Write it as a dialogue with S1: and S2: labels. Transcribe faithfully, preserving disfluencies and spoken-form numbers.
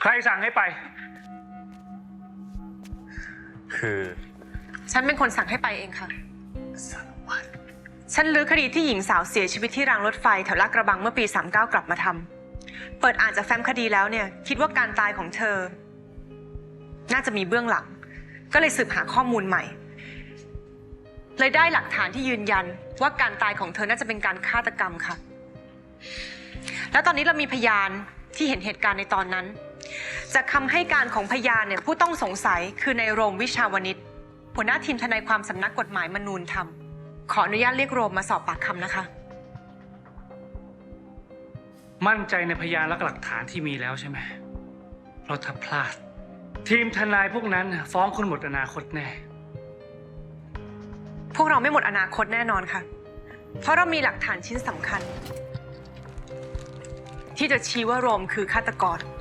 S1: ใครสั่งให้ไปคือ
S2: ฉันเป็นคนสั่งให้ไปเองค่ะ
S1: สารวัตร
S2: ฉันลื้อคดีที่หญิงสาวเสียชีวิตที่รางรถไฟแถวลาดกระบังเมื่อปีสามสิบเก้ากลับมาทำเปิดอ่านจากแฟ้มคดีแล้วเนี่ยคิดว่าการตายของเธอน่าจะมีเบื้องหลังก็เลยสืบหาข้อมูลใหม่เลยได้หลักฐานที่ยืนยันว่าการตายของเธอน่าจะเป็นการฆาตกรรมค่ะแล้วตอนนี้เรามีพยานที่เห็นเหตุการณ์ในตอนนั้นจากคำให้การของพยานเนี่ยผู้ต้องสงสัยคือในโรมวิชาวนิชหัวหน้าทีมทนายความสำนักกฎหมายมนูนธรรมขออนุญาตเรียกโรมมาสอบปากคำนะคะ
S1: มั่นใจในพยานและหลักฐานที่มีแล้วใช่ไหมเพราะถ้าพลาดทีมทนายพวกนั้นฟ้องคุณหมดอนาคตแน่
S2: พวกเราไม่หมดอนาคตแน่นอนค่ะเพราะเรามีหลักฐานชิ้นสำคัญที่จะชี้ว่าโรมคือฆาตกร